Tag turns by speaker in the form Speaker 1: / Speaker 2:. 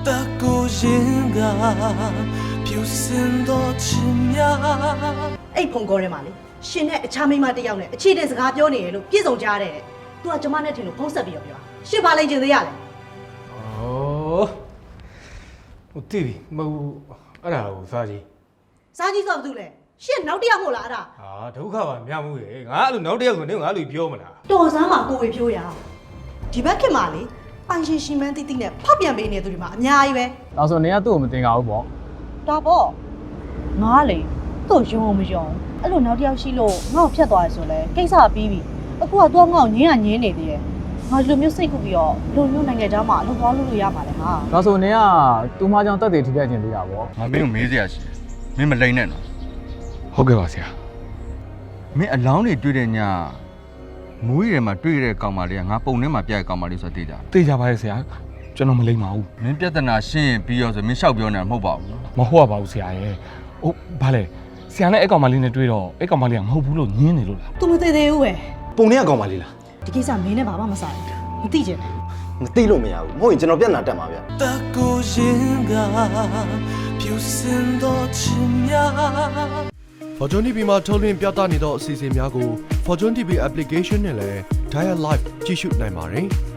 Speaker 1: 的孤影啊，飘散多奇妙。
Speaker 2: အဲ့ဖုန်ကောထဲမှာလေရှင်နဲ့အခြားမိန်းမတစ်ယောက်နဲ့အခြေတင်စကားပြောနေရလို့ပြည့်စုံကြတဲ့ तू ကကျမနဲ့ထင်လို့ဖုံးဆက်ပြီးပြောရှင်ပါလိမ့်ချင်သေးရလေ
Speaker 3: ဟိုတိပြီမဟုတ်အဲ့ဒါကိုစားကြီး
Speaker 2: စားကြီးဆိုဘာလို့လဲရှင်နောက်တစ်ယောက်မို့လားအဲ့ဒါ
Speaker 3: ဟာဒုက္ခပါမြမှုရေငါအဲ့လိုနောက်တစ်ယောက်ဆိုနေငါလိုပြောမလား
Speaker 2: တော်စမ်းမှာကိုဝေဖြိုးရဒီဘက်ခင်မှာလေပိုင်ရှင်ရှင်မန်းတိတိနဲ့ဖောက်ပြန်ပေးနေသူတွေမှာအများကြီးပဲ
Speaker 4: ဒါဆိုနေကသူ့ကိုမတင်ကြဘူးပေါ့
Speaker 5: ဒါပေါ့ငါလေသူ့ယုံမယုံအဲ့လိုနောက်တစ်ယောက်ရှိလို့ငါ့ကိုဖြတ်သွားရဆိုလဲကိစ္စပြီးပြီအခုကသူကငါ့ကိုညင်းနေသေးတယ်ငါဒီလိုမျိုးစိတ်ခုပြီးတော့လူမျိုးနိုင်ငံသားမှာအလုပ်သွားလို့ရမှာလေဟာ
Speaker 4: ဒါဆိုနေကသူ့မကြောင့်တက်တည်ထိပြခြင်းသေးတာပေါ့
Speaker 6: ငါမင်းကိုမေးစရာရှိတယ်မင်းမလိမ့်နဲ့နော်
Speaker 3: ဟုတ်ကဲ့ပါဆရာ
Speaker 6: မင်းအလောင်းတွေတွေ့တဲ့ညမူးရီထဲမှာတွေ့တဲ့ကောင်မလေးကငါပုံထဲမှာပြတဲ့ကောင်မလေးဆိုတော့သိကြ
Speaker 3: သိကြပါရဲ့ဆရာကျွန်တော်မလိမ့်ပါဘူး
Speaker 6: မင်းပြဿနာရှင်းရင်ပြီးရောဆိုမင်းလျှောက်ပြောနေတာမဟုတ်ပါဘူး
Speaker 3: မဟုတ်ပါဘူးဆရာရဲ့ဟုတ်ဘာလဲဆရာနဲ့အဲ့ကောင်မလေးနဲ့တွေ့တော့အဲ့ကောင်မလေးကမဟုတ်ဘူးလို့ညင်းနေလို့လား
Speaker 2: သူမသိသေးဘူးပဲ
Speaker 7: ပုံထဲကကောင်မလေးလား
Speaker 2: ဒီကိစ္စမင်းနဲ့ဘာမှမဆိုင်ဘူးမသိချင်ဘူး
Speaker 7: မသိလို့မရဘူးမဟုတ်ရင်ကျွန်တော်ပြဿနာတက်မှာဗျ
Speaker 1: 的孤影啊，飘散多奇妙。
Speaker 8: Fortune TV မှာထုတ်လွှင့်ပြသနေသောအစီအစဉ်များကို Fortune TV application နဲ့လည်း Dial Live ကြည့်ရှုနိုင်ပါတယ်။